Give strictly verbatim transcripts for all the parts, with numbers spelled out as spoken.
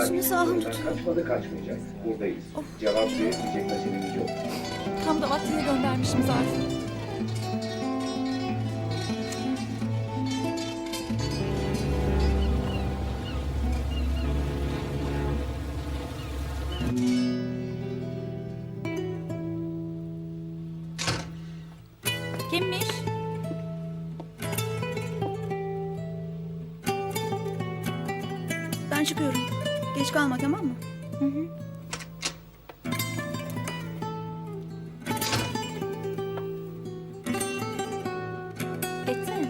Şimdi sağım tutuyor. Kaçmadı, kaçmayacak. Buradayız. Cevap verebilecek meselemiz yok. Tam da vaktini göndermişim zaten. Kimmiş? Ben çıkıyorum. Geç kalma, tamam mı? Hı hı. Etsene.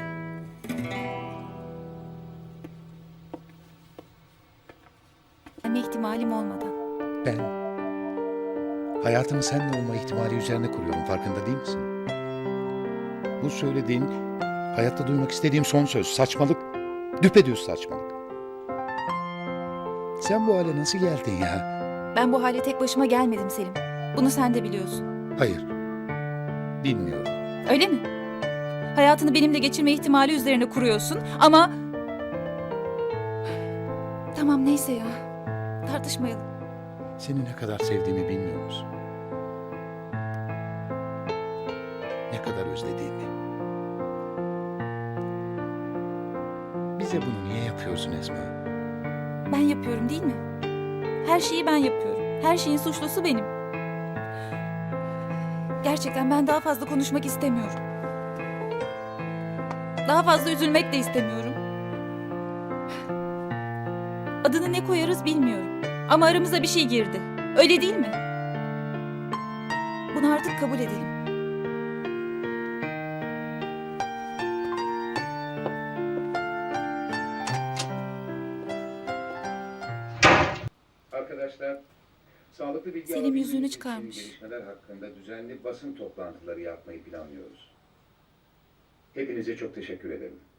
Anne ihtimalim olmadan. Ben hayatımı seninle olma ihtimali üzerine kuruyorum, farkında değil misin? Bu söylediğin hayatta duymak istediğim son söz. Saçmalık. Düpedüz saçmalık. Sen bu hale nasıl geldin ya? Ben bu hale tek başıma gelmedim Selim. Bunu sen de biliyorsun. Hayır. Bilmiyorum. Öyle mi? Hayatını benimle geçirme ihtimali üzerine kuruyorsun ama... Tamam neyse ya. Tartışmayalım. Seni ne kadar sevdiğimi bilmiyor musun? Ne kadar özlediğimi. Bize bunu niye yapıyorsun Esma? Ben yapıyorum değil mi? Her şeyi ben yapıyorum. Her şeyin suçlusu benim. Gerçekten ben daha fazla konuşmak istemiyorum. Daha fazla üzülmek de istemiyorum. Adını ne koyarız bilmiyorum. Ama aramıza bir şey girdi. Öyle değil mi? Bunu artık kabul edelim. Arkadaşlar, sağlıklı bilgi Selim alabilmeniz yüzüğünü için çıkarmış. gelişmeler hakkında düzenli basın toplantıları yapmayı planlıyoruz. Hepinize çok teşekkür ederim.